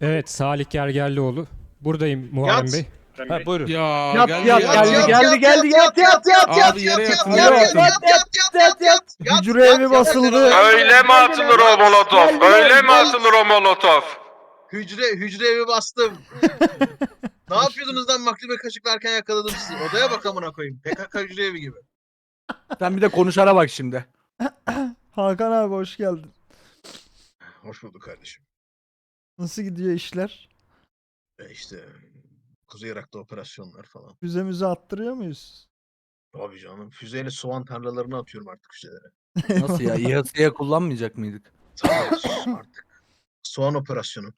Evet, Salih Gergerlioğlu. Buradayım Muharrem Yat. Bey. Ha, buyurun. Ya Yat, geldi yat, ya. geldi. Yat. Abi yere yatın, Alo, yere yatın. yat. Hücre evi basıldı. Öyle mi atılır o molotof? Öyle mi atılır o molotof? Hücre evi bastım. Ne yapıyordunuz lan maklube kaşıklarken yakaladım sizi. Odaya bak amına koyayım. PKK hücre evi gibi. Sen bir de konuşana bak şimdi. Hakan abi hoş geldin. Hoş bulduk kardeşim. Nasıl gidiyor işler? İşte Kuzey Irak'ta operasyonlar falan. Füze müze attırıyor muyuz? Abi canım füzeyle soğan tarlalarını atıyorum artık füzelere. Nasıl ya? İHA'ya kullanmayacak mıydık? Tabii artık. Soğan operasyonu.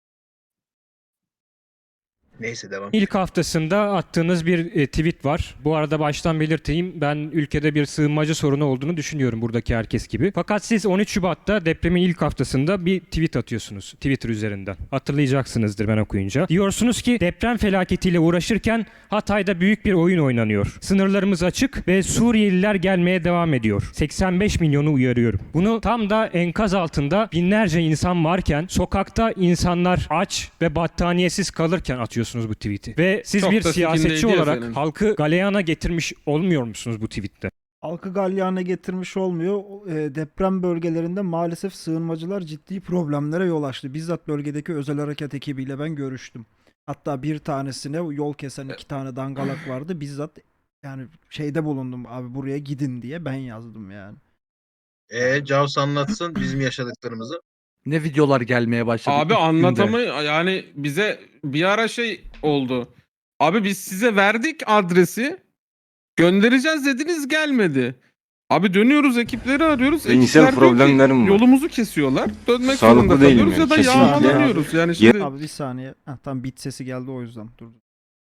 Neyse devam. İlk haftasında attığınız bir tweet var. Bu arada baştan belirteyim, ben ülkede bir sığınmacı sorunu olduğunu düşünüyorum buradaki herkes gibi. Fakat siz 13 Şubat'ta depremin ilk haftasında bir tweet atıyorsunuz Twitter üzerinden. Hatırlayacaksınızdır ben okuyunca. Diyorsunuz ki deprem felaketiyle uğraşırken Hatay'da büyük bir oyun oynanıyor. Sınırlarımız açık ve Suriyeliler gelmeye devam ediyor. 85 milyonu uyarıyorum. Bunu tam da enkaz altında binlerce insan varken, sokakta insanlar aç ve battaniyesiz kalırken atıyorsunuz bu tweet'i. Ve siz Çok bir da siyasetçi sikindeydi ya olarak senin. halkı galeyana getirmiş olmuyor musunuz bu tweet'te? Halkı galyana getirmiş olmuyor. Deprem bölgelerinde maalesef sığınmacılar ciddi problemlere yol açtı. Bizzat bölgedeki özel harekat ekibiyle ben görüştüm. Hatta bir tanesine yol kesen 2 tane dangalak vardı. Bizzat yani şeyde bulundum abi buraya gidin diye ben yazdım yani. Caus anlatsın bizim yaşadıklarımızı. Ne videolar gelmeye başladı. Abi ilk günde. anlatamı yani bize bir ara şey oldu. Abi biz size verdik adresi. Göndereceğiz dediniz gelmedi. Abi dönüyoruz ekipleri arıyoruz. Zihinsel Ekipler diyor ki, problemlerim var. yolumuzu kesiyorlar. Dönmek Sağlıklı zorunda değilim kalıyoruz yani, ya da kesinlikle. yağmalanıyoruz. Yani şimdi Abi bir saniye. Tam bit sesi geldi o yüzden durdum.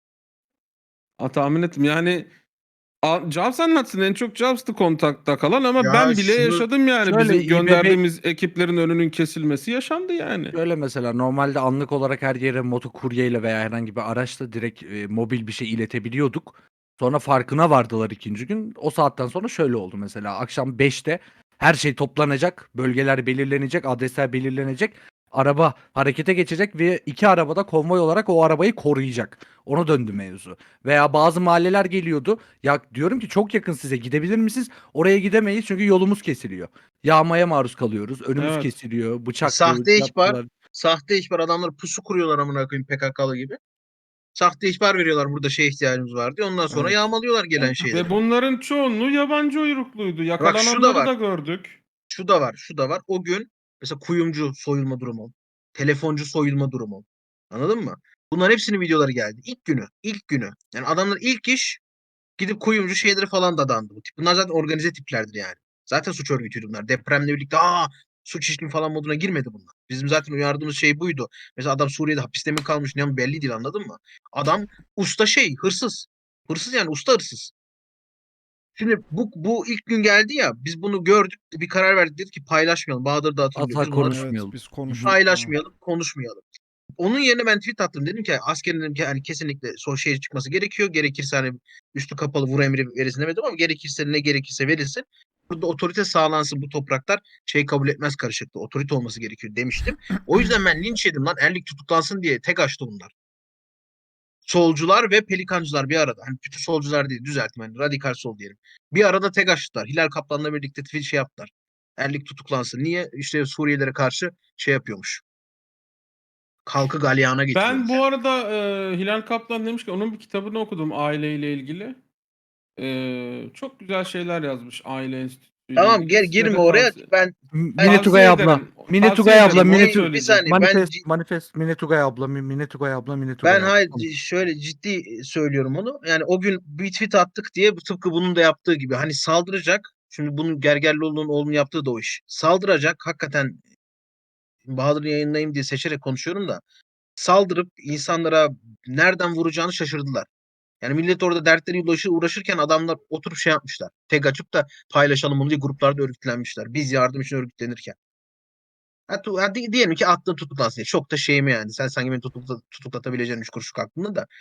tahmin ettim yani Jobs anlatsın, en çok Jobs'tı kontakta kalan ama Ya ben bile şunu- yaşadım yani. Şöyle Bizim İBB gönderdiğimiz ekiplerin önünün kesilmesi yaşandı yani. Şöyle mesela normalde anlık olarak her yere motokuryeyle veya herhangi bir araçla direkt mobil bir şey iletebiliyorduk. Sonra farkına vardılar ikinci gün. O saatten sonra şöyle oldu mesela. Akşam 5'te her şey toplanacak. Bölgeler belirlenecek. Adresler belirlenecek. Araba harekete geçecek ve 2 arabada konvoy olarak o arabayı koruyacak. Ona döndü mevzu. Veya bazı mahalleler geliyordu. Ya diyorum ki çok yakın size, gidebilir misiniz? Oraya gidemeyiz çünkü yolumuz kesiliyor. Yağmaya maruz kalıyoruz. Önümüz Evet. kesiliyor. Bıçak Sahte ihbar. Sahte ihbar adamlar pusu kuruyorlar amına koyayım PKK'lı gibi. Sahte ihbar veriyorlar burada şey ihtiyacımız var diye. Ondan sonra Evet. yağmalıyorlar gelen şeyleri. Ve bunların çoğunluğu yabancı uyrukluydu. şu da Yakalananları var. da gördük. Şu da var, şu da var. O gün mesela kuyumcu soyulma durumu, telefoncu soyulma durumu. Anladın mı? Bunların hepsinin videoları geldi. İlk günü, ilk günü. Yani adamlar ilk iş gidip kuyumcu şeyleri falan dadandı bu tip. Bunlar zaten organize tiplerdir yani. Zaten suç örgütüydü bunlar. Depremle birlikte suç işlemi falan moduna girmedi bunlar. Bizim zaten uyardığımız şey buydu. Mesela adam Suriye'de hapiste mi kalmış ne belli değil anladın mı? Adam usta hırsız. Hırsız yani usta hırsız. Şimdi bu ilk gün geldi ya biz bunu gördük bir karar verdik dedik ki paylaşmayalım. Bahadır da hatırlıyor. Asla Biz bunları konuşmayalım. Evet biz konuştuk. paylaşmayalım, konuşmayalım. Onun yerine ben tweet attım. Dedim ki askerin dedim ki hani kesinlikle son şeye çıkması gerekiyor. Gerekirse hani üstü kapalı vur emri verilsin demedim ama gerekirse ne gerekirse verilsin. Burada otorite sağlansın bu topraklar şey kabul etmez karışıklığı. Otorite olması gerekiyor demiştim. O yüzden ben linç yedim lan. Erlik tutuklansın diye tek açtı bunlar. Solcular ve pelikancılar bir arada. Hani bütün solcular değil düzeltme. Hani radikal sol diyelim. Bir arada tek açtılar. Hilal Kaplan'la birlikte tweet şey yaptılar. Erlik tutuklansın. Niye? İşte Suriyelilere karşı şey yapıyormuş. Halkı galyana getiriyormuş. Ben bu arada Hilal Kaplan demiş ki onun bir kitabını okudum aileyle ilgili. Çok güzel şeyler yazmış aile enstitüsüyle Tamam ilgili. Size girme de oraya. tavsiye- Ben Mine Tavsiye Tugay abla. ederim. Mine Tavsiye Tugay abla. ederim, Mine onu bir söyleyeceğim. saniye. Manifest. Mine Tugay abla. Mine Tugay abla. Mine Tugay Ben abla. hayır şöyle ciddi söylüyorum onu. Yani o gün bir tweet attık diye tıpkı bunun da yaptığı gibi hani saldıracak. Şimdi bunun Gergerlioğlu'nun oğlunun yaptığı da o iş. Saldıracak hakikaten Bahadır'ı yayınlayayım diye seçerek konuşuyorum da saldırıp insanlara nereden vuracağını şaşırdılar. Yani millet orada dertleriyle uğraşırken adamlar oturup şey yapmışlar. Tek açıp da paylaşalım bunu diye gruplarda örgütlenmişler. Biz yardım için örgütlenirken. Hadi diyelim ki attın tutuklansın diye. Çok da şeyim yani. Sen sanki beni tutuklatabileceğin 3 kuruşluk aklında da.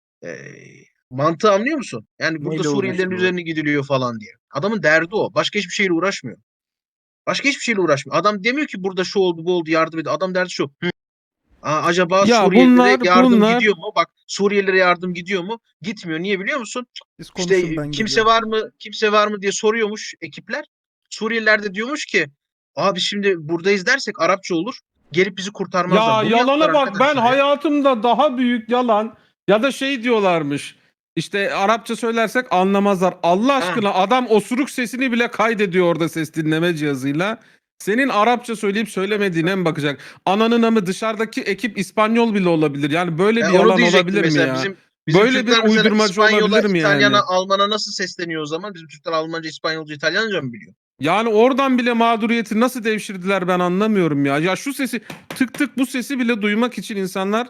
Mantığı anlıyor musun? Yani burada Neyle Suriyelilerin uğraşıyor? üzerine gidiliyor falan diye. Adamın derdi o. Başka hiçbir şeyle uğraşmıyor. Başka hiçbir şeyle uğraşmıyor. Adam demiyor ki burada şu oldu bu oldu yardım edin. Adam derdi şu. Acaba Ya Suriyelilere yardım bunlar gidiyor mu? Bak, Suriyelilere yardım gidiyor mu? Gitmiyor. Niye biliyor musun? Siz İşte konuşun, ben kimse gireceğim. var mı? Kimse var mı diye soruyormuş ekipler. Suriyeliler de diyormuş ki abi şimdi buradayız dersek Arapça olur. Gelip bizi kurtarmazlar. ya Bunu yaptılar yalana bak, ben arkadaşlar ya. hayatımda daha büyük yalan ya da şey diyorlarmış. İşte Arapça söylersek anlamazlar. Allah Ha. aşkına, adam osuruk sesini bile kaydediyor orada ses dinleme cihazıyla. Senin Arapça söyleyip söylemediğine mi bakacak? Ananın amı, dışarıdaki ekip İspanyol bile olabilir. Yani böyle bir Onu yalan diyecektim olabilir mi mesela. ya? Bizim Böyle bir Türkler mesela uydurmacı İspanyola, olabilir mi İtalyana, yani? Alman'a nasıl sesleniyor o zaman? Bizim Türkler Almanca, İspanyolca, İtalyanca mı biliyor? Yani oradan bile mağduriyeti nasıl devşirdiler ben anlamıyorum ya. Ya şu sesi, tık tık bu sesi bile duymak için insanlar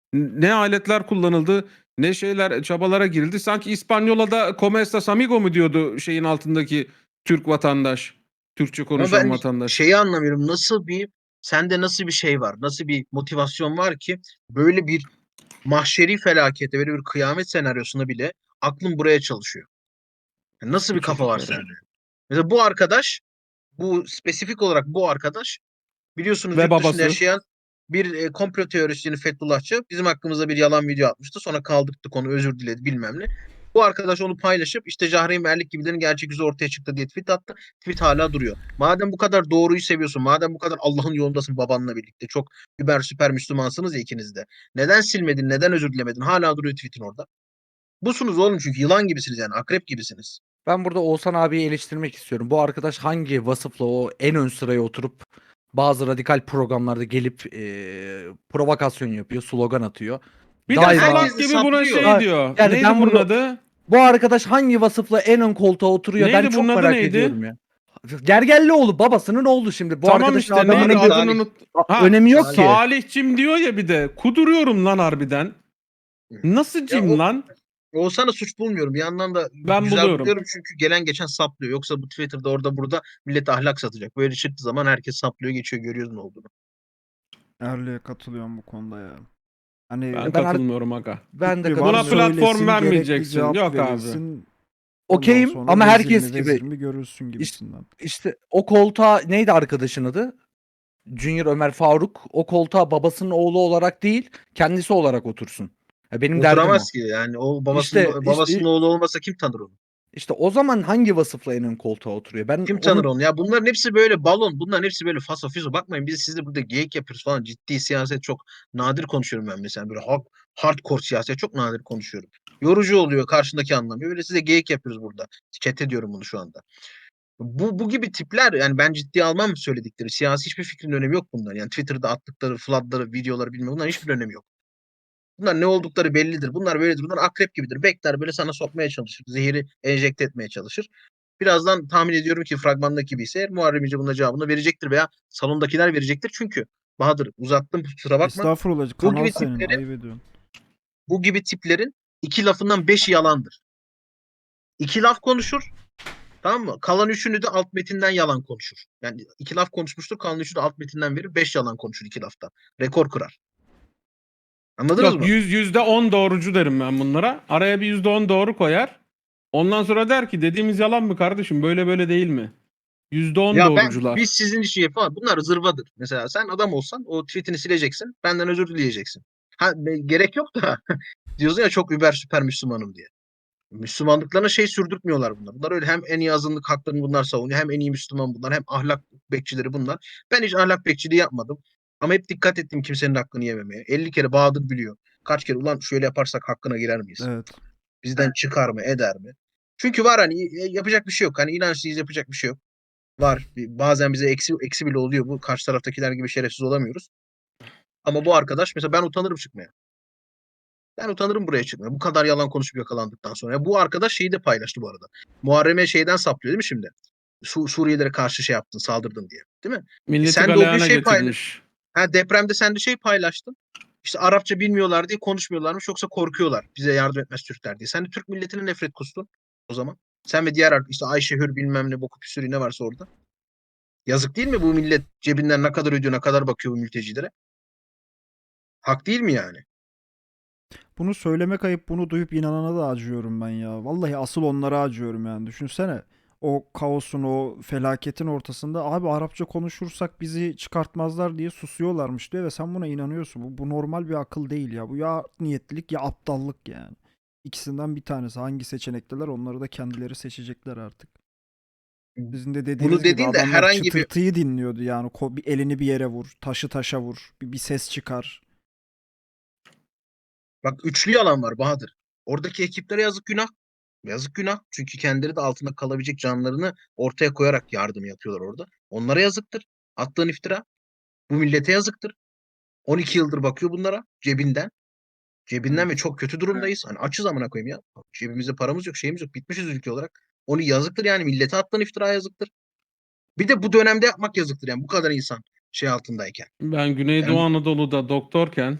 ne aletler kullanıldı, ne şeyler, çabalara girildi. Sanki İspanyola'da "Como estás amigo" mu diyordu şeyin altındaki Türk vatandaş, Türkçe Ama konuşan ben vatandaş. şeyi anlamıyorum. Sende nasıl bir şey var? Nasıl bir motivasyon var ki böyle bir mahşeri felakete, böyle bir kıyamet senaryosuna bile aklın buraya çalışıyor. Yani nasıl Bu bir kafa var çocuklar. sende? Mesela bu arkadaş, bu spesifik olarak bu arkadaş biliyorsunuz Ve yurt dışında babası. yaşayan bir komplo teorisyeni Fethullahçı bizim hakkımızda bir yalan video atmıştı. Sonra kaldırdık onu, özür diledi bilmem ne. Bu arkadaş onu paylaşıp işte Cahreyn Merlik gibilerin gerçek yüzü ortaya çıktı diye tweet attı. Tweet hala duruyor. Madem bu kadar doğruyu seviyorsun, madem bu kadar Allah'ın yolundasın babanla birlikte, çok über süper Müslümansınız ya ikiniz de. Neden silmedin, neden özür dilemedin? Hala duruyor tweetin orada. Busunuz oğlum, çünkü yılan gibisiniz yani, akrep gibisiniz. Ben burada Oğuzhan abiyi eleştirmek istiyorum. Bu arkadaş hangi vasıfla o en ön sıraya oturup bazı radikal programlarda gelip provokasyon yapıyor, slogan atıyor. Bir de Daima Herkes salak de gibi buna saplıyor. şey diyor. yani Neydi ben bunun bunu adı? bu arkadaş hangi vasıfla en ön koltuğa oturuyor, ben Neydi bunun çok adı, merak neydi? ediyorum ya. Gergerlioğlu babasının oğlu şimdi. Bu Tamam arkadaşın işte, neydi adamının bir adını Salih. unut. Ha, önemi yok Salih. ki. Salihçim diyor ya bir de. Kuduruyorum lan harbiden. Nasıl Ya cim lan? Oğuzhan'ı suç bulmuyorum. Bir yandan da Ben güzel buluyorum. buluyorum çünkü gelen geçen saplıyor. Yoksa bu Twitter'da orada burada millet ahlak satacak. Böyle çıktığı zaman herkes saplıyor geçiyor, görüyoruz ne olduğunu. Erli'ye katılıyorum bu konuda ya. Hani Ben Ben ar- katılmıyorum aga. Ben de fikri var, Buna katılıyorum. platform söylesin, gerekli vermeyeceksin. cevap Yok abi. verilsin. Ondan Okeyim sonra ama vezir herkes mi, vezir gibi mi görülsün gibisinden. işte o koltuğa neydi arkadaşın adı? Junior Ömer Faruk o koltuğa babasının oğlu olarak değil, kendisi olarak otursun. Ya benim derdim o. Oturamaz ki yani, o İşte babasının oğlu olmasa kim tanır onu? işte o zaman hangi vasıfla en ön koltuğa oturuyor? Ben Kim tanır onu onu? Ya bunların hepsi böyle balon. Bunların hepsi böyle faso fiso. Bakmayın biz sizle burada geyik yapıyoruz falan. Ciddi siyaset çok nadir konuşuyorum ben mesela. Böyle hardcore siyaset çok nadir konuşuyorum. Yorucu oluyor, karşındaki anlamıyor. Böyle size geyik yapıyoruz burada. Chat ediyorum bunu şu anda. Bu gibi tipler, yani ben ciddiye almam söyledikleri. Siyasi hiçbir fikrin önemi yok bunların. Yani Twitter'da attıkları floodları, videoları bilmem, bunların hiçbir önemi yok. Bunlar ne oldukları bellidir. Bunlar böyledir. Bunlar akrep gibidir. Bekler böyle sana sokmaya çalışır. Zehiri enjekte etmeye çalışır. Birazdan tahmin ediyorum ki fragmandaki gibi ise Muharrem İnce bunun cevabını verecektir veya salondakiler verecektir. Çünkü Bahadır, uzattım, kusura bakma. Estağfurullah, Bu kanal gibi senin, tiplerin ayıp ediyorsun. bu gibi tiplerin iki lafından beşi yalandır. İki laf konuşur. Tamam mı? Kalan üçünü de alt metinden yalan konuşur. Yani iki laf konuşmuştur. Kalan üçünü de alt metinden verir. Beş yalan konuşur iki lafta. Rekor kırar. Anladınız Yok, mı? %10 doğrucu derim ben bunlara. Araya bir %10 doğru koyar. Ondan sonra der ki dediğimiz yalan mı kardeşim? Böyle böyle değil mi? %10 Ya doğrucular. biz sizin için yapalım. Bunlar zırvadır. Mesela sen adam olsan o tweetini sileceksin. Benden özür dileyeceksin. Gerek yok da diyorsun ya çok über süper Müslümanım diye. Müslümanlıklarına şey sürdürtmüyorlar bunlar. Bunlar öyle, hem en iyi azınlık haklarını bunlar savunuyor, hem en iyi Müslüman bunlar, hem ahlak bekçileri bunlar. Ben hiç ahlak bekçiliği yapmadım. Ama hep dikkat ettim kimsenin hakkını yememeye. 50 kere Bahadır biliyor. Kaç kere ulan şöyle yaparsak hakkına girer miyiz? Evet. Bizden çıkar mı, eder mi? Çünkü var hani, yapacak bir şey yok. Hani inançlıyız, yapacak bir şey yok. Var. Bazen bize eksi bile oluyor. Bu karşı taraftakiler gibi şerefsiz olamıyoruz. Ama bu arkadaş mesela, ben utanırım çıkmaya. Ben utanırım buraya çıkmaya. Bu kadar yalan konuşup yakalandıktan sonra. Ya bu arkadaş şeyi de paylaştı bu arada. Muharrem'e şeyden saplıyor değil mi şimdi? Suriyelilere karşı şey yaptın, saldırdın diye. Değil mi? Milleti Sen de o gün galeyana şey getirmiş. depremde sen de şey paylaştın. İşte Arapça bilmiyorlar diye konuşmuyorlarmış, yoksa korkuyorlar. Bize yardım etmez Türkler diye. Sen de Türk milletine nefret kustun o zaman. Sen ve diğer işte Ayşe Hür bilmem ne boku püsürü ne varsa orada. Yazık değil mi bu millet cebinden ne kadar ödüyor, ne kadar bakıyor bu mültecilere? Hak değil mi yani? Bunu söylemek ayıp, bunu duyup inanana da acıyorum ben ya. Vallahi asıl onlara acıyorum yani. Düşünsene. o kaosun, o felaketin ortasında abi Arapça konuşursak bizi çıkartmazlar diye susuyorlarmış diyor ve sen buna inanıyorsun. Bu normal bir akıl değil ya. Bu ya art niyetlilik ya aptallık yani. İkisinden bir tanesi. Hangi seçenekteler onları da kendileri seçecekler artık. Sizin de dediğiniz gibi dediğin de adamlar herhangi bir- çıtırtıyı dinliyordu yani. Bir elini bir yere vur, taşı taşa vur, bir ses çıkar. Bak üçlü yalan var Bahadır. Oradaki ekiplere yazık günah. Yazık günah. Çünkü kendileri de altında kalabilecek canlarını ortaya koyarak yardım yapıyorlar orada. Onlara yazıktır. Attığın iftira. Bu millete yazıktır. 12 yıldır bakıyor bunlara cebinden. Cebinden ve çok kötü durumdayız. Hani açız amına koyayım ya. Cebimizde paramız yok, şeyimiz yok. Bitmişiz ülke olarak. Onu yazıktır yani millete attığın iftira yazıktır. Bir de bu dönemde yapmak yazıktır yani bu kadar insan şey altındayken. Ben Güneydoğu Yani- Anadolu'da doktorken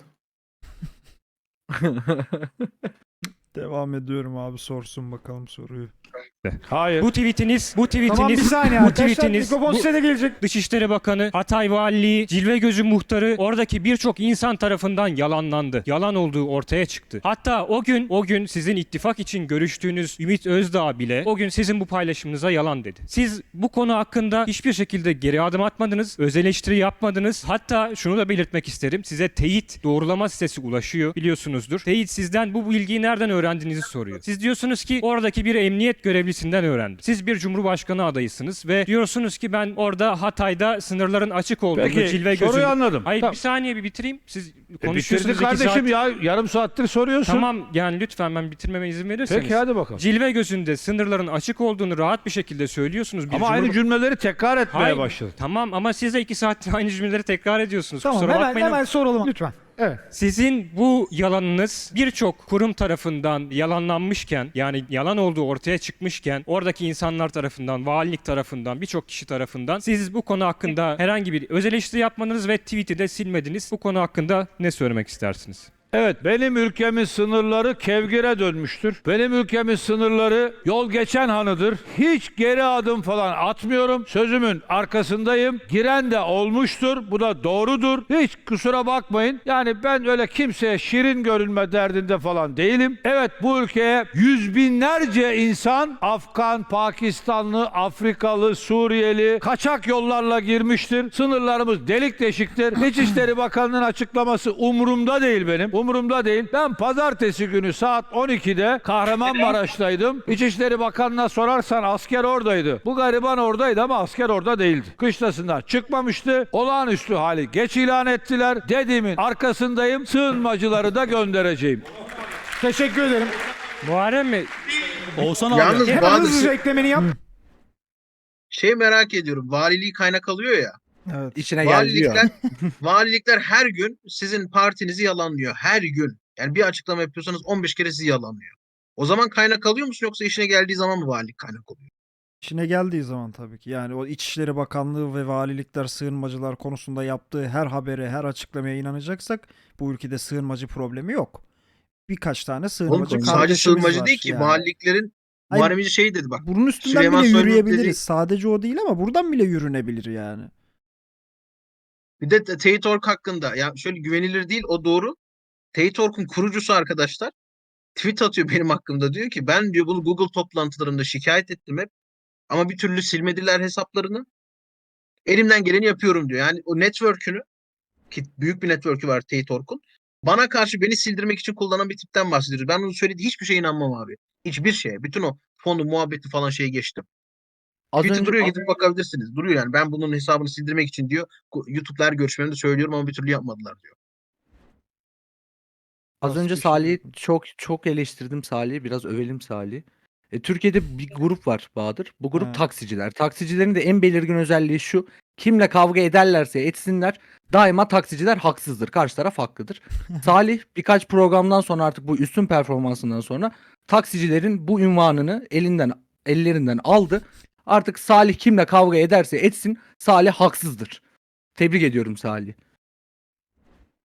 Devam ediyorum abi, sorsun bakalım soruyu. Hayır. Bu tweetiniz, Tamam bir saniye bu arkadaşlar. tweetiniz, Mikrofon bu size de gelecek. Dışişleri Bakanı, Hatay Valiliği, Cilvegözü Muhtarı, oradaki birçok insan tarafından yalanlandı. Yalan olduğu ortaya çıktı. Hatta o gün sizin ittifak için görüştüğünüz Ümit Özdağ bile o gün sizin bu paylaşımınıza yalan dedi. Siz bu konu hakkında hiçbir şekilde geri adım atmadınız, öz eleştiri yapmadınız. Hatta şunu da belirtmek isterim. Size teyit doğrulama sitesi ulaşıyor, biliyorsunuzdur. Teyit sizden bu bilgiyi nereden öğrendiğinizi soruyor. Siz diyorsunuz ki oradaki bir emniyet görevlisinden öğrendim. Siz bir cumhurbaşkanı adayısınız ve diyorsunuz ki ben orada Hatay'da sınırların açık olduğunu, Peki Cilvegözü... soruyu anladım. Hayır Tamam. bir saniye bir bitireyim. Siz Bitirdi konuşuyorsunuz 2 kardeşim saat. ya. Yarım saattir soruyorsun. Tamam yani lütfen ben bitirmeme izin verirseniz. Peki hadi bakalım. Cilvegözü'nde sınırların açık olduğunu rahat bir şekilde söylüyorsunuz. Bir Ama aynı cümleleri tekrar etmeye Hayır, başladın. Tamam ama siz de 2 saattir aynı cümleleri tekrar ediyorsunuz. Tamam Kusura bakmayın. hemen soralım lütfen. Evet. Sizin bu yalanınız birçok kurum tarafından yalanlanmışken, yani yalan olduğu ortaya çıkmışken, oradaki insanlar tarafından, valilik tarafından, birçok kişi tarafından siz bu konu hakkında herhangi bir öz eleştiri yapmadınız ve tweet'i de silmediniz. Bu konu hakkında ne söylemek istersiniz? Evet, benim ülkemin sınırları kevgire dönmüştür. Benim ülkemin sınırları yol geçen hanıdır. Hiç geri adım falan atmıyorum. Sözümün arkasındayım. Giren de olmuştur. Bu da doğrudur. Hiç kusura bakmayın. Yani ben öyle kimseye şirin görünme derdinde falan değilim. Evet, bu ülkeye yüz binlerce insan Afgan, Pakistanlı, Afrikalı, Suriyeli kaçak yollarla girmiştir. Sınırlarımız delik deşiktir. İçişleri Bakanlığı'nın açıklaması umurumda değil benim. Umurumda değil. Ben pazartesi günü saat 12'de Kahramanmaraş'taydım. İçişleri Bakanı'na sorarsan asker oradaydı. Bu gariban oradaydı ama asker orada değildi. Kışlasından çıkmamıştı. Olağanüstü hali geç ilan ettiler. Dediğimin arkasındayım. Sığınmacıları da göndereceğim. Teşekkür ederim. Muharrem Bey, Oğuzhan abi. Yalnız Hemen bazı hızlıca eklemeni yap. şey merak ediyorum. Valiliği kaynak alıyor ya. Evet. İçine geldi diyor. Valilikler her gün sizin partinizi yalanlıyor. Her gün. Yani bir açıklama yapıyorsanız 15 kere sizi yalanlıyor. O zaman kaynak alıyor musun yoksa işine geldiği zaman mı valilik kaynak oluyor? İşine geldiği zaman tabii ki. Yani o İçişleri Bakanlığı ve valilikler sığınmacılar konusunda yaptığı her habere, her açıklamaya inanacaksak bu ülkede sığınmacı problemi yok. Birkaç tane Oğlum, sığınmacı sadece kardeşimiz sığınmacı var değil ki. yani. Valiliklerin Hayır. Muharrem İnce şey dedi bak. Bunun üstünden Süleyman bile Soylu'nun yürüyebiliriz. dediği- Sadece o değil ama buradan bile yürünebilir yani. Bir de Teyit.org hakkında. Ya şöyle güvenilir değil o doğru. Teyit.org'un kurucusu arkadaşlar tweet atıyor benim hakkımda. Diyor ki ben diyor bunu Google toplantılarında şikayet ettim hep. Ama bir türlü silmediler hesaplarını. Elimden geleni yapıyorum diyor. Yani o network'ünü ki büyük bir network'ü var Teyit.org'un. Bana karşı beni sildirmek için kullanan bir tipten bahsediyoruz. Ben onun söylediği hiçbir şeye inanmam abi. Hiçbir şeye. Bütün o fonu, muhabbeti falan şeye geçtim. Az Tweet'i önce, duruyor gidip bakabilirsiniz. Duruyor yani. Ben bunun hesabını sildirmek için diyor. YouTube'da her görüşmemde söylüyorum ama bir türlü yapmadılar diyor. az önce Basit bir şey Salih'i yapmış. çok eleştirdim Salih'i. Biraz övelim Salih. Türkiye'de bir grup var Bahadır. Bu grup Evet. taksiciler. Taksicilerin de en belirgin özelliği şu. Kimle kavga ederlerse etsinler daima taksiciler haksızdır. Karşı taraf haklıdır. Salih birkaç programdan sonra artık bu üstün performansından sonra taksicilerin bu ünvanını ellerinden aldı. Artık Salih kimle kavga ederse etsin Salih haksızdır. Tebrik ediyorum Salih.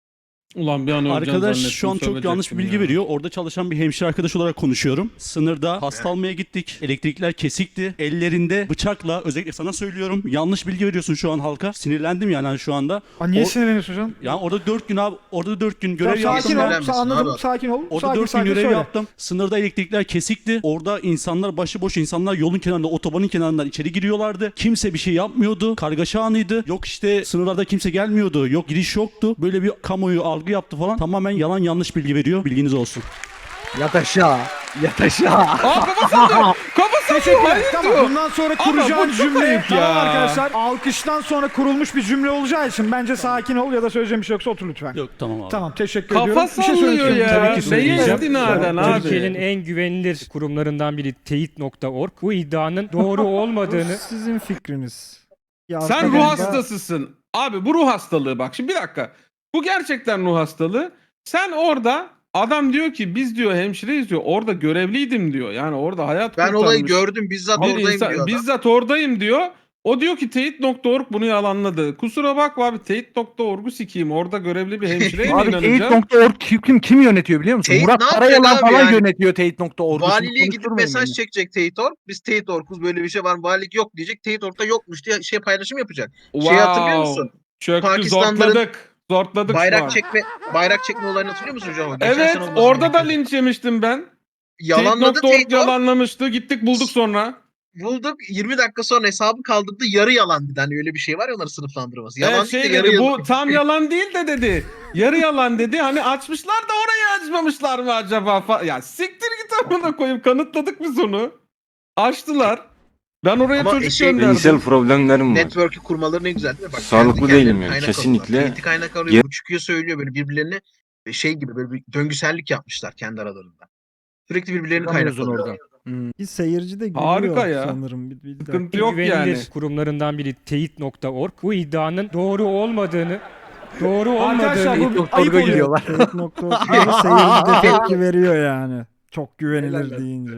Ulan bir an öleceğim Arkadaş zannettim, şu an çok yanlış bir sövecektim bilgi ya. veriyor. Orada çalışan bir hemşire arkadaş olarak konuşuyorum. Sınırda hasta almaya gittik. Elektrikler kesikti. Ellerinde bıçakla, özellikle sana söylüyorum. Yanlış bilgi veriyorsun şu an halka. Sinirlendim yani hani şu anda. Niye O- sinirleniyorsun canım? Yani orada 4 gün abi, orada 4 gün görev Tamam, sakin yaptım. ol. Sinirlenmesin Anladım. abi. Sakin ol. Orada Sakin 4 gün sakin görev söyle. yaptım. Sınırda elektrikler kesikti. Orada insanlar, başıboş insanlar yolun kenarında, otobanın kenarından içeri giriyorlardı. Kimse bir şey yapmıyordu. Kargaşa anıydı. Yok işte sınırlarda kimse gelmiyordu. Yok giriş yoktu. Böyle bir kamuoyu algı yaptı falan. Tamamen yalan yanlış bilgi veriyor. Bilginiz olsun. Yat aşağı. Yat aşağı. Aa kafa sallıyor. Kafa sallıyor. Teşekkürler. Hayır Tamam. diyor. Bundan sonra Ama kuracağın bu çok cümleyi ayıp tamam ya. arkadaşlar. Alkıştan sonra kurulmuş bir cümle olacağı için bence sakin ol ya da söyleyeceğim bir şey yoksa otur lütfen. Yok tamam abi. Tamam teşekkür Kafa ediyorum. Bir şey sallıyor söyleyeceğim. ya. Tabii ki Neye söyleyeceğim. istinaden abi? Türkiye'nin en güvenilir kurumlarından biri teyit.org bu iddianın doğru olmadığını Sizin fikriniz. Ya Sen aslında ruh ben- hastasısın. Abi bu ruh hastalığı bak. Şimdi bir dakika. Bu gerçekten ruh hastalığı. Sen orada adam diyor ki biz diyor hemşireyiz diyor. Orada görevliydim diyor. Yani orada hayat Ben olayı kurtarmış gördüm. Bizzat bir oradayım insan- diyor adam. bizzat oradayım diyor. O diyor ki teyit.org bunu yalanladı. Kusura bakma abi teyit.org'u sikeyim. Orada görevli bir hemşireye mi Abi inanacağım? Teyit.org kim yönetiyor biliyor musun? Teyit Murat ne yapacak Karayalan abi falan yani? yönetiyor Teyit.org'u. Valiliğe gidip mesaj çekecek Teyit.org. Biz Teyit.org'uz böyle bir şey var. Valilik yok diyecek. Teyit.org'da yokmuş diye şey paylaşım yapacak. Şey hatırlıyor musun? Çöktü, Pakistanların zortladık. Zortladık şu an. Bayrak çekme olayını hatırlıyor musun hocam? Geçen Evet sene olması orada da gerekiyor. linç yemiştim ben. Yalanladı Teyit.org Teyit.org. yalanlamıştı. Gittik bulduk sonra. Bulduk 20 dakika sonra hesabı kaldırdı. Yarı yalan dedi. Hani öyle bir şey var ya onların sınıflandırması. Yalan Evet, değil şey de yarı dedi, yalan. bu tam yalan değil de dedi. Yarı yalan dedi. Hani açmışlar da orayı açmamışlar mı acaba? Ya siktir git amına koyayım. Kanıtladık biz onu. Açtılar. Ben oraya Ama çocuk şey- gönderdim. Zihinsel problemlerim var. Network'ü kurmaları ne güzel değil mi? Bak, Sağlıklı kendi değilim kendilerine yani, kaynak kesinlikle. alıyorlar. Teyit'i kaynak alıyor. Bu çıkıyor söylüyor böyle birbirlerine şey gibi böyle bir döngüsellik yapmışlar kendi aralarında. Sürekli birbirlerini kaynak alıyorlar. oradan. Bir seyirci de gülüyor Harika ya. sanırım. Bir dakika. Sıkıntı yok güvenilir yani. kurumlarından biri teyit.org bu iddianın doğru olmadığını Arkadaşlar bu Teyit.org'a ayıp oluyor. gidiyorlar. Teyit.org'da seyirci de tepki veriyor yani. Çok güvenilir deyince.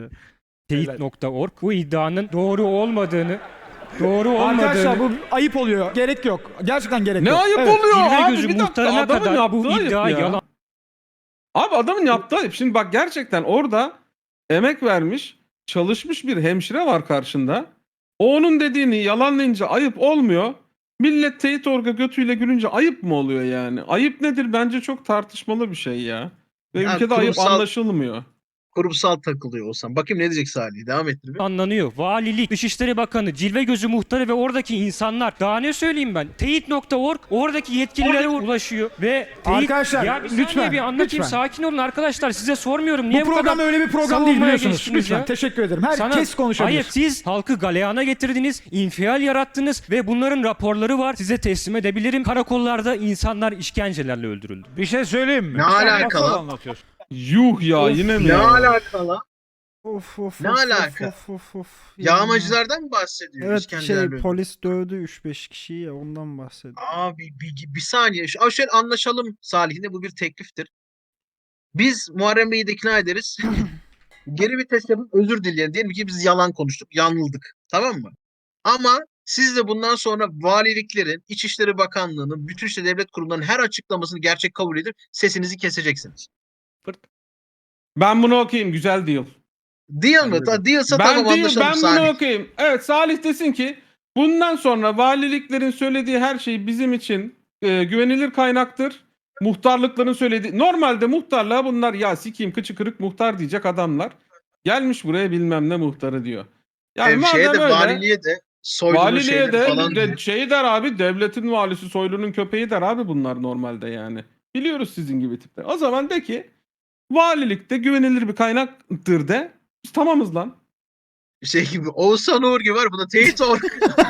teyit.org bu iddianın doğru olmadığını Arkadaşlar bu ayıp oluyor. Gerek yok. Gerçekten gerek Ne yok. ayıp Evet. oluyor Cilve abi? gözü Bir dakika, muhtarına adamın kadar bu yaptığı ayıp iddia ya. yalan. Abi adamın yaptığı ayıp. Şimdi bak gerçekten orada emek vermiş, çalışmış bir hemşire var karşında. O onun dediğini yalanlayınca ayıp olmuyor. Millet Teyit.org'a götüyle gülünce ayıp mı oluyor yani? Ayıp nedir? Bence çok tartışmalı bir şey ya. Ve Ya ülkede ayıp kurumsal- anlaşılmıyor. Kurumsal takılıyor olsam. Bakayım ne diyecek Salih. Devam ettir bir. Anlanıyor. Valilik, Dışişleri Bakanı, Cilve Gözü Muhtarı ve oradaki insanlar. Daha ne söyleyeyim ben? Teyit.org oradaki yetkililere ulaşıyor ve Teyit... Arkadaşlar, ya bir saniye lütfen, bir anlatayım. lütfen. Sakin olun arkadaşlar. Size sormuyorum. Niye Bu program kadar öyle bir program değil savunmaya biliyorsunuz. geçtiniz Lütfen ya? teşekkür ederim. Herkes konuşabilir. Hayır siz halkı galeyana getirdiniz, infial yarattınız ve bunların raporları var. Size teslim edebilirim. Karakollarda insanlar işkencelerle öldürüldü. Bir şey söyleyeyim mi? Ne Sen alakalı? masal anlatıyorsun. Yuh ya yine mi Ne ya? alakalı? Of, Ne of, alaka? of. Yağmacılardan mı bahsediyor? Evet İskender'le? polis dövdü 3-5 kişiyi ya ondan bahsediyor. Abi bir saniye. Şöyle anlaşalım Salih'le bu bir tekliftir. Biz Muharrem Bey'i de ikna ederiz. Geri vites yapıp özür dileyelim. Diyelim ki biz yalan konuştuk. Yanıldık. Tamam mı? Ama siz de bundan sonra valiliklerin, İçişleri Bakanlığı'nın, bütün işte devlet kurumlarının her açıklamasını gerçek kabul edip sesinizi keseceksiniz. Ben bunu okuyayım. Güzel deal. Deal mı? Dealsa Ben tamam değil, anlaşalım ben Salih. bunu okuyayım. Evet Salih desin ki bundan sonra valiliklerin söylediği her şey bizim için güvenilir kaynaktır. Muhtarlıkların söylediği normalde muhtarlığa bunlar ya sikeyim kıçı kırık muhtar diyecek adamlar. Gelmiş buraya bilmem ne muhtarı diyor. Yani Şeye madem de öyle valiliğe de Soylu'nun valiliğe şeyleri de falan diyor. şey der abi devletin valisi Soylu'nun köpeği der abi bunlar normalde yani. Biliyoruz sizin gibi tipler. O zaman de ki valilikte güvenilir bir kaynaktır de biz tamamız lan. Şey gibi Oğuzhan Uğur gibi var. Bu da teyit or.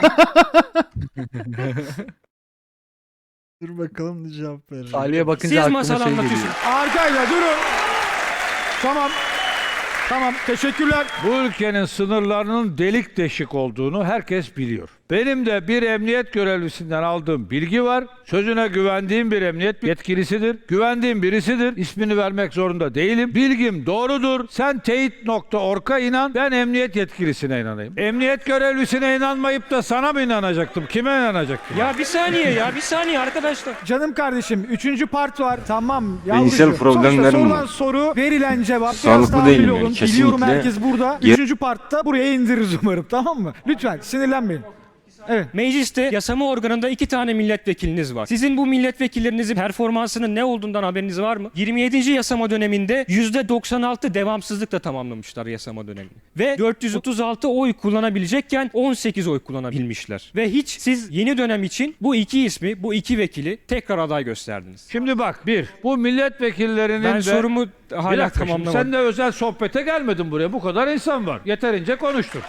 Dur bakalım ne cevap verir. Salih'e bakınca Siz aklıma masal şey geliyor. anlatıyorsunuz. Arkayla durun. Tamam. Tamam teşekkürler. Bu ülkenin sınırlarının delik deşik olduğunu herkes biliyor. Benim de bir emniyet görevlisinden aldığım bilgi var. Sözüne güvendiğim bir emniyet yetkilisidir. Güvendiğim birisidir. İsmini vermek zorunda değilim. Bilgim doğrudur. Sen teyit.org'a inan. Ben emniyet yetkilisine inanayım. Emniyet görevlisine inanmayıp da sana mı inanacaktım? Kime inanacaktım? Ya bir saniye arkadaşlar. Canım kardeşim 3. part var. Tamam. Beyinsel yavrucuğum. problemlerim Sonuçta sorulan var. soru, verilen cevap. Sağlıklı Biraz tahmin değilim yani, olun. kesinlikle. Biliyorum herkes burada. 3. partta buraya indiririz umarım, tamam mı? Lütfen sinirlenmeyin. Evet. Mecliste yasama organında 2 tane milletvekiliniz var. Sizin bu milletvekillerinizin performansının ne olduğundan haberiniz var mı? 27. yasama döneminde %96 devamsızlıkla tamamlamışlar yasama dönemini. Ve 436 oy kullanabilecekken 18 oy kullanabilmişler. Ve hiç siz yeni dönem için bu iki ismi, bu iki vekili tekrar aday gösterdiniz. Şimdi bak, bu milletvekillerinin Ben de... sorumu Bir hala dakika, şimdi tamamlamadım. sen de özel sohbete gelmedin buraya. Bu kadar insan var. Yeterince konuştuk.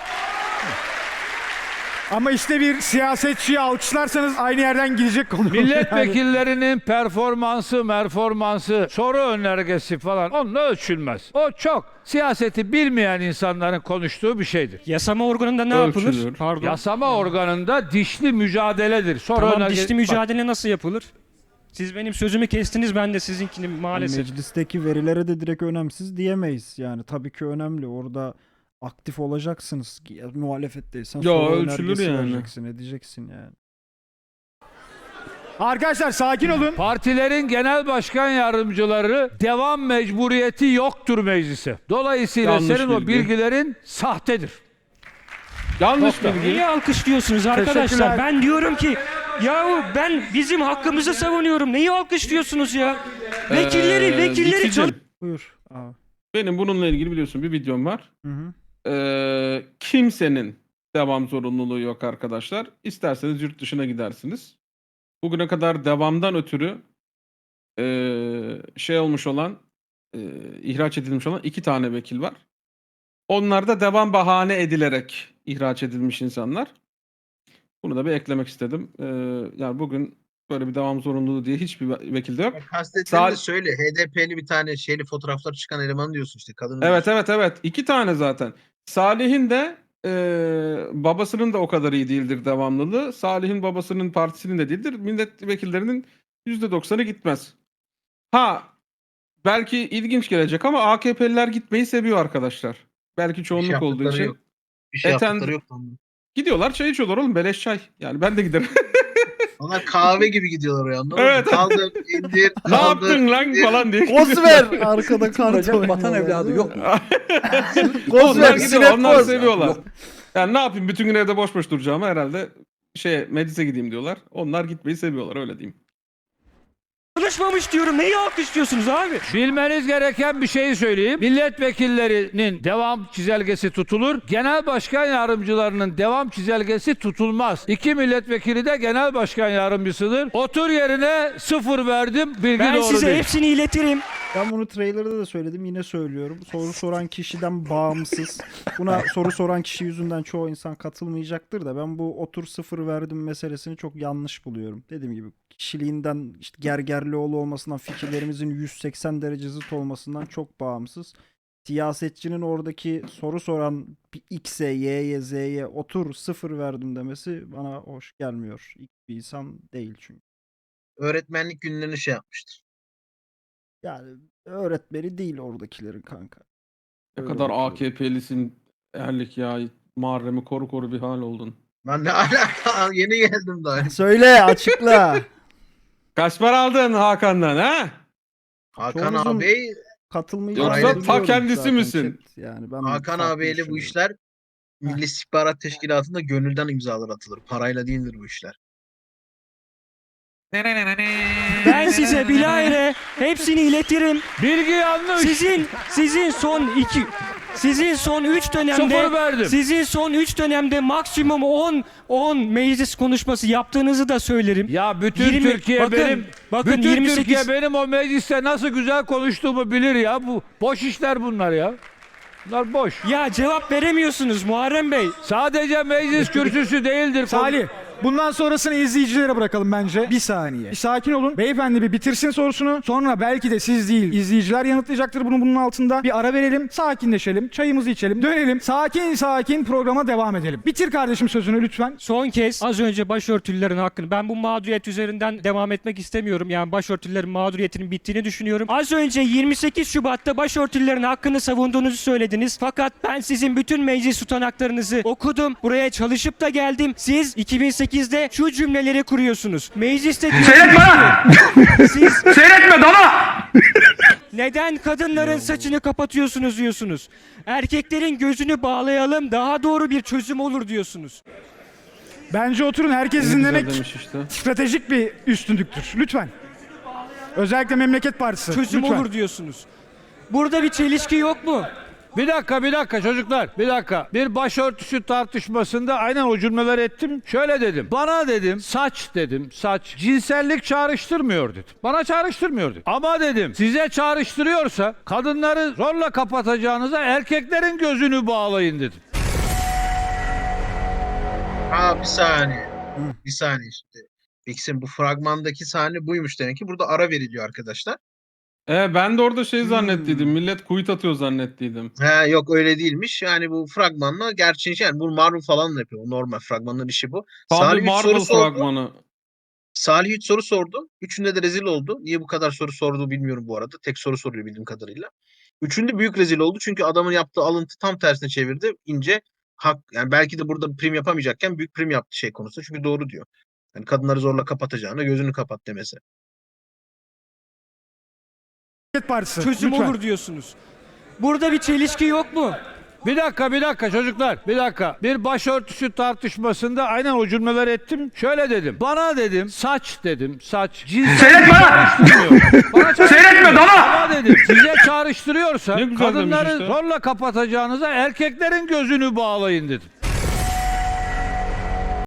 Ama işte bir siyasetçiyi alkışlarsanız aynı yerden gidecek konu. Milletvekillerinin performansı, soru önergesi falan onunla ölçülmez. O çok siyaseti bilmeyen insanların konuştuğu bir şeydir. Yasama organında ne Ölçülür. yapılır? Pardon. Yasama organında dişli mücadeledir. Soru Tamam, önergesi... dişli mücadele nasıl yapılır? Siz benim sözümü kestiniz, ben de sizinkini maalesef. Meclisteki verilere de direkt önemsiz diyemeyiz. Yani tabii ki önemli. Orada aktif olacaksınız. Muhalefetteysen Yo, soru ölçülür önergesi yani. vereceksin, edeceksin yani. Arkadaşlar sakin olun. Partilerin genel başkan yardımcıları devam mecburiyeti yoktur meclise. Dolayısıyla Yanlış senin o bilgi. bilgilerin sahtedir. Yanlış bilgi. Niye alkışlıyorsunuz arkadaşlar? Teşekkürler. Ben diyorum ki yahu ben bizim hakkımızı savunuyorum. Neyi alkışlıyorsunuz ya? Vekilleri Dikicim, Buyur abi. benim bununla ilgili biliyorsun bir videom var. Hı hı. Kimsenin devam zorunluluğu yok arkadaşlar. İsterseniz yurt dışına gidersiniz. Bugüne kadar devamdan ötürü olmuş olan, ihraç edilmiş olan 2 tane vekil var. Onlar da devam bahane edilerek ihraç edilmiş insanlar. Bunu da bir eklemek istedim. Yani bugün böyle bir devam zorunluluğu diye hiçbir vekilde yok. Kastettiğini de Sa- söyle. HDP'li bir tane fotoğraflar çıkan eleman diyorsun işte. Kadın Evet. 2 tane zaten. Salih'in de babasının da o kadar iyi değildir devamlılığı. Salih'in babasının partisinin de değildir. Milletvekillerinin %90'ı gitmez. Belki ilginç gelecek ama AKP'liler gitmeyi seviyor arkadaşlar. Belki çoğunluk olduğu için. Yok. Bir şey Eten- yaptıkları yok. Gidiyorlar, çay içiyorlar oğlum, beleş çay. Yani ben de giderim. Onlar kahve gibi gidiyorlar oraya, anladın Evet. mı? Kaldır, indir, Ne kaldır. yaptın lan falan diye. Koz ver! Arkada kart Vatan oynuyorlar, evladı değil yok mi? mu? Koz Onlar ver! gidiyor, Sinek onlar koz! seviyorlar. Yok. Yani ne yapayım, bütün gün evde boş boş duracağıma herhalde meclise gideyim diyorlar. Onlar gitmeyi seviyorlar, öyle diyeyim. Konuşmamış diyorum. Neyi alkışlıyorsunuz abi? Bilmeniz gereken bir şeyi söyleyeyim. Milletvekillerinin devam çizelgesi tutulur. Genel başkan yardımcılarının devam çizelgesi tutulmaz. 2 milletvekili de genel başkan yardımcısıdır. Otur yerine 0 verdim. Bilgi Ben doğru size değil. hepsini iletirim. Ben bunu trailer'da da söyledim, yine söylüyorum. Soru soran kişiden bağımsız. Buna soru soran kişi yüzünden çoğu insan katılmayacaktır da ben bu otur 0 verdim meselesini çok yanlış buluyorum. Dediğim gibi kişiliğinden, işte Gergerlioğlu olmasından, fikirlerimizin 180 derece zıt olmasından çok bağımsız. Siyasetçinin oradaki soru soran X'e, Y'ye, Z'ye otur 0 verdim demesi bana hoş gelmiyor. İlk bir insan değil çünkü. Öğretmenlik günlerini yapmıştır. Yani öğretmeni değil oradakilerin kanka. Ne Öyle kadar bakıyorum. AKP'lisin Erlik ya. Muharrem'i koru bir hal oldun. Ben ne alaka? Yeni geldim daha. Söyle, açıkla. Kaç para aldın Hakan'dan ha? Hakan Çoğunuzun ağabey, katılmayacağını Yoksa ta biliyorum kendisi zaten misin? chat. Yani ben Hakan farklı ağabeyle bu düşünüyorum. işler Milli İstihbarat Teşkilatı'nda gönülden imzalar atılır. Parayla değildir bu işler. Ben size bilahare hepsini iletirim. Bilgi yanlış. Sizin son 3 0 dönemde verdim. sizin son 3 dönemde maksimum 10 meclis konuşması yaptığınızı da söylerim. Ya bütün 20 Türkiye bakın, benim bakın bütün 28 Türkiye benim o mecliste nasıl güzel konuştuğumu bilir ya. Bu boş işler bunlar ya. Bunlar boş. Ya cevap veremiyorsunuz Muharrem Bey. Sadece meclis kürsüsü değildir. Salih Bundan sonrasını izleyicilere bırakalım bence. Bir saniye. Bir sakin olun. Beyefendi bir bitirsin sorusunu. Sonra belki de siz değil, izleyiciler yanıtlayacaktır bunun altında. Bir ara verelim, sakinleşelim, çayımızı içelim, dönelim. Sakin sakin programa devam edelim. Bitir kardeşim sözünü lütfen. Son kez az önce başörtülülerin hakkını, ben bu mağduriyet üzerinden devam etmek istemiyorum. Yani başörtülülerin mağduriyetinin bittiğini düşünüyorum. Az önce 28 Şubat'ta başörtülülerin hakkını savunduğunuzu söylediniz. Fakat ben sizin bütün meclis tutanaklarınızı okudum. Buraya çalışıp da geldim. Siz 2008'de şu cümleleri kuruyorsunuz. Mecliste Seyretme lan! siz Seyretme dana! neden kadınların saçını kapatıyorsunuz diyorsunuz. Erkeklerin gözünü bağlayalım, daha doğru bir çözüm olur diyorsunuz. Bence oturun, herkes Ne güzel dinlemek demiş işte. stratejik bir üstünlüktür. Lütfen. Özellikle Memleket Partisi. Çözüm lütfen. olur diyorsunuz. Burada bir çelişki yok mu? Bir dakika çocuklar. Bir dakika. Bir başörtüsü tartışmasında aynen o cümleleri ettim. Şöyle dedim. Bana dedim saç dedim. Saç cinsellik çağrıştırmıyor dedim. Bana çağrıştırmıyor dedim. Ama dedim size çağrıştırıyorsa kadınları zorla kapatacağınıza erkeklerin gözünü bağlayın dedim. Bir saniye. Bir saniye işte. Bix'in bu fragmandaki sahne buymuş demek ki. Burada ara veriliyor arkadaşlar. Ben de orada şey zannettiydim. Millet kuyut atıyor zannettiydim. Yok öyle değilmiş. Yani bu fragmanla gerçeği yani bu Marvel falan da yapıyor. Normal fragmanların işi bu. Tabii Salih üç Marvel soru sordu. fragmanı. Salih 3 soru sordu. Üçünde de rezil oldu. Niye bu kadar soru sorduğu bilmiyorum bu arada. Tek soru soruyor bildiğim kadarıyla. Üçünde büyük rezil oldu. Çünkü adamın yaptığı alıntı tam tersine çevirdi. İnce hak. Yani belki de burada prim yapamayacakken büyük prim yaptı şey konusunda. Çünkü doğru diyor. Yani kadınları zorla kapatacağına gözünü kapat demesi. Memleket Partisi. Çözüm lütfen. olur diyorsunuz. Burada bir çelişki yok mu? Bir dakika çocuklar. Bir dakika. Bir başörtüsü tartışmasında aynen o cümleleri ettim. Şöyle dedim. Bana dedim saç dedim. Saç cinsellik çağrıştırmıyor. Bana Seyretme dana! Ama dedim size çağrıştırıyorsa Ne güzel demiş kadınları işte. zorla kapatacağınıza erkeklerin gözünü bağlayın dedim.